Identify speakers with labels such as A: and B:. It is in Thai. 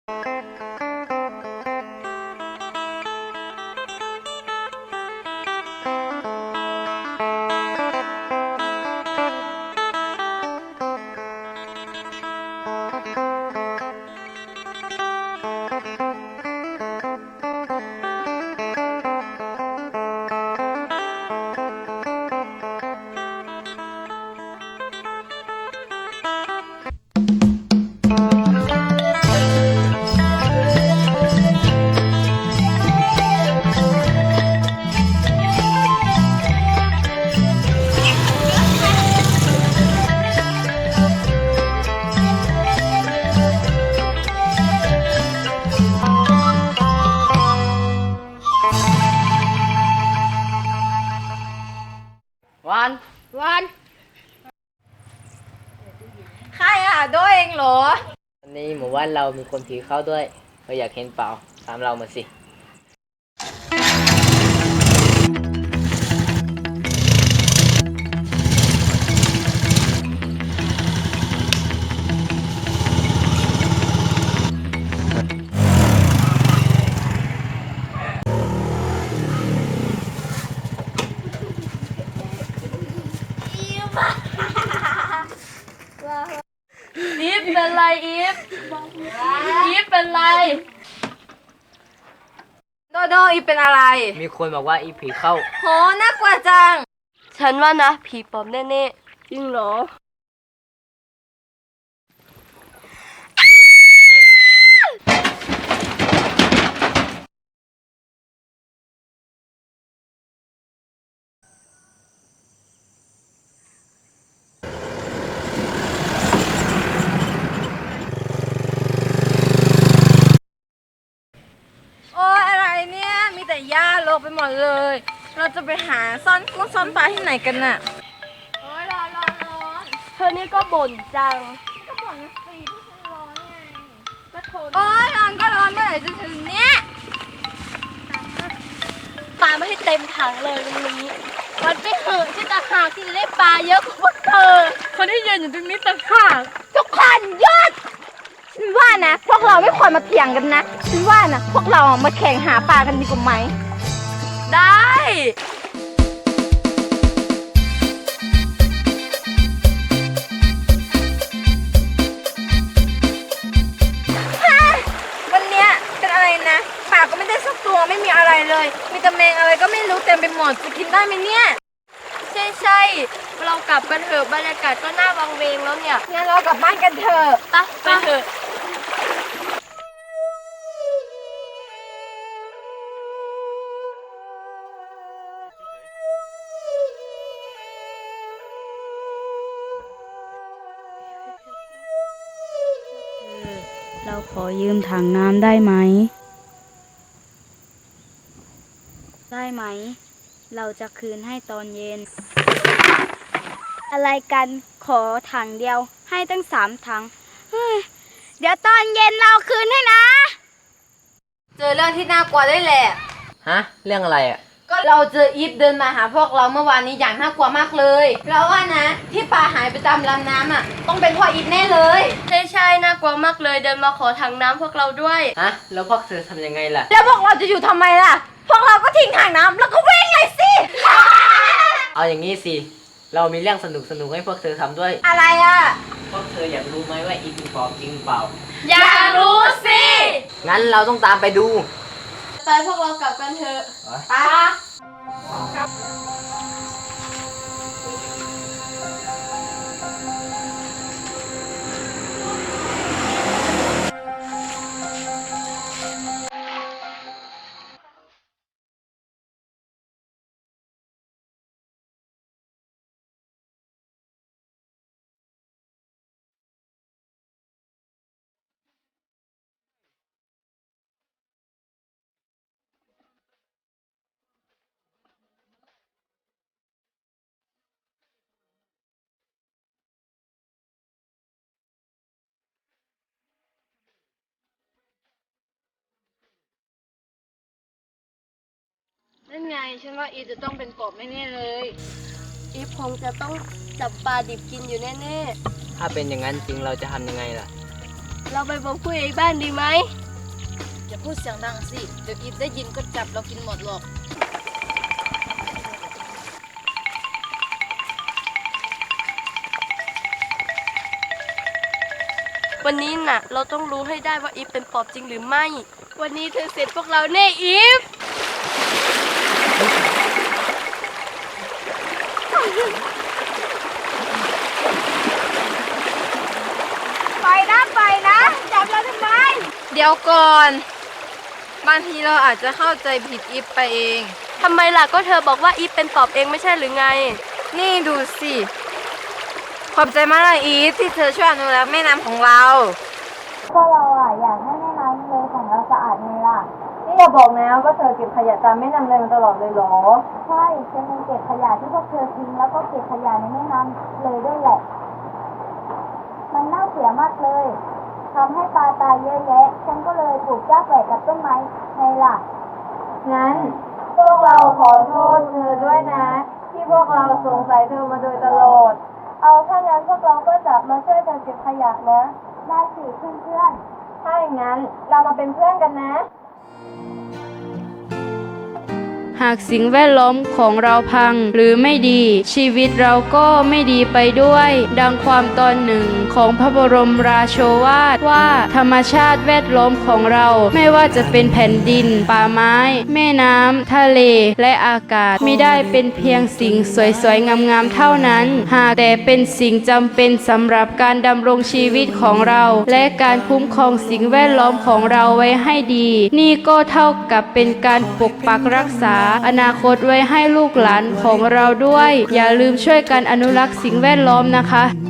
A: วันใครโดยเองเหรอ
B: วันนี้หมู่บ้านเรามีคนผีเข้าด้วยเราอยากเห็นเปล่าตามเรามาสิ
A: อีฟเป็นไรอีฟเป็นไรโดอีฟเป็นอะไร
B: มีคนบอกว่าอีผีเข้า
A: โหน่ากลัวจัง
C: ฉันว่านะผีปอบแน่ๆจริงเหรอ
A: โอ้ยอะไรเนี่ยมีแต่หญ้าโลกไปหมดเลยเราจะไปหาซ่อนกุ้งซ่อนปลาที่ไหนกันน่ะโอ้ยร้อน
C: เธอนี่ก็บ่นจัง
A: ก็บ่นนะสิที่ฉันร้อนไงก็ทนโอ้ยร้อนก็ร้อนเมื่อไหร่จะถึงเนี้ย
C: ปลาไม่ให้เต็มถังเลยวันนี้วันไปเถอะที่ตะหากที่ได้ปลาเยอะกว่าพวกเธอ
A: คนที่ยืนอยู่ตรงนี้ตะหาก
C: ทุกคนหยุด
A: ฉันว่านะพวกเราไม่ควรมาเถียงกันนะฉันว่านะพวกเรามาแข่งหาปลากันดีกว่าไหมได้วันเนี้ยเป็นอะไรนะปลาก็ไม่ได้สักตัวไม่มีอะไรเลยมีแต่แมงอะไรก็ไม่รู้เต็มไปหมดจะกินได้ไหมเนี่ย
C: ใช่เรากลับกันเถอะบรรยากาศก็น่าวังเวงแล้วเนี่ย
A: งั้นเรากลับบ้านกันเถอะ
C: ไปเถอะ
D: เราขอยืมถังน้ำได้ไหม ได้ไหม เราจะคืนให้ตอนเย็น อะไรกันขอถังเดียวให้ตั้ง3 ถังเดี๋ยวตอนเย็นเราคืนให้นะ
A: เจอเรื่องที่น่ากลัวได้แหละ
B: ฮะเรื่องอะไรอ่ะ
A: ก็เราเจออีฟเดินมาหาพวกเราเมื่อวานนี้อย่างน่ากลัวมากเลยเราว่านะที่ปลาหายไปตามลำน้ำต้องเป็นเพราะอีฟแน่เลย
C: ใช่น่ากลัวมากเลยเดินมาขอถังน้ำพวกเราด้วย
B: ฮะแล้วพวกเธอทำยังไงล่ะ
A: แล้วพวกเราจะอยู่ทำไมล่ะพวกเราก็ทิ้งถังน้ำแล้วก็วิ่งเลยสิ
B: เอาอย่างนี้สิเรามีเรื่องสนุกให้พวกเธอทำด้วย
A: อะไร
B: พวกเธออยากรู้ไหมว่าอีผีปอบจริงเปล่า
A: อยากรู้สิ
B: งั้นเราต้องตามไปดู
C: ไปพวกเรากลับกันเถอะ
A: ไปนั่นไงฉันว่าอีจะต้องเป็นปอบแน่ๆเลย
C: อีฟคงจะต้องจับปลาดิบกินอยู่แน่
B: ถ้าเป็นอย่างนั้นจริงเราจะทำยังไงล่ะ
C: เราไปบอกผู้ใหญ่บ้านดีไหม
A: อย่าพูดเสียงดังสิ เดี๋ยวอีฟได้ยินก็จับเรากินหมดหรอก
C: วันนี้น่ะ เราต้องรู้ให้ได้ว่าอีฟเป็นปอบจริงหรือไม่ วันนี้เธอเสร็จพวกเราแน่อีฟ
D: ไปนะไปนะ จับเราทำไม
A: เดี๋ยวก่อน บางทีเราอาจจะเข้าใจผิดอีฟไปเอง
C: ทำไมล่ะก็เธอบอกว่าอีฟเป็นปอบเองไม่ใช่หรือไง
A: นี่ดูสิ ขอบใจมากเลยอีฟที่เธอช่วยอนุรักษ์แม่น้ำของเรา
D: พวกเราอยากให้แม่น้ำเลยของเราสะอาดไงล่ะ
A: นี่อย่าบอกนะว่าเธอเก็บขยะตามแม่น้ำเลยมาตลอดเลยเหรอ
D: ใช่ฉันยังเก็บขยะที่พวกเธอทิ้งแล้วก็เก็บขยะในแม่น้ำเลยด้วยแหละ มันน่าเสียมากเลยทำให้ปลาตายเยอะแยะ ฉันก็เลยปลูกหญ้าแฝกกับต้นไม้ไงล่ะ
A: งั้นพวกเราขอโทษเธอด้วยนะ ที่พวกเราสงสัยเธอมาโดยตลอด
C: เอาถ้างั้นพวกเราก็จะมาช่วยกันเก็บขยะนะ
D: ได้สิเพื่อนๆ
A: ถ้าอย่างนั้นเรามาเป็นเพื่อนกันนะ
E: หากสิ่งแวดล้อมของเราพังหรือไม่ดี ชีวิตเราก็ไม่ดีไปด้วย ดังความตอนหนึ่งของพระบรมราโชวาทว่าธรรมชาติแวดล้อมของเราไม่ว่าจะเป็นแผ่นดิน ป่าไม้ แม่น้ำทะเลและอากาศไม่ได้เป็นเพียงสิ่งสวยๆงามๆเท่านั้น หากแต่เป็นสิ่งจำเป็นสำหรับการดำรงชีวิตของเรา และการคุ้มครองสิ่งแวดล้อมของเราไว้ให้ดี นี่ก็เท่ากับเป็นการปกปักรักษาอนาคตไว้ให้ลูกหลานของเราด้วย อย่าลืมช่วยกันอนุรักษ์สิ่งแวดล้อมนะคะ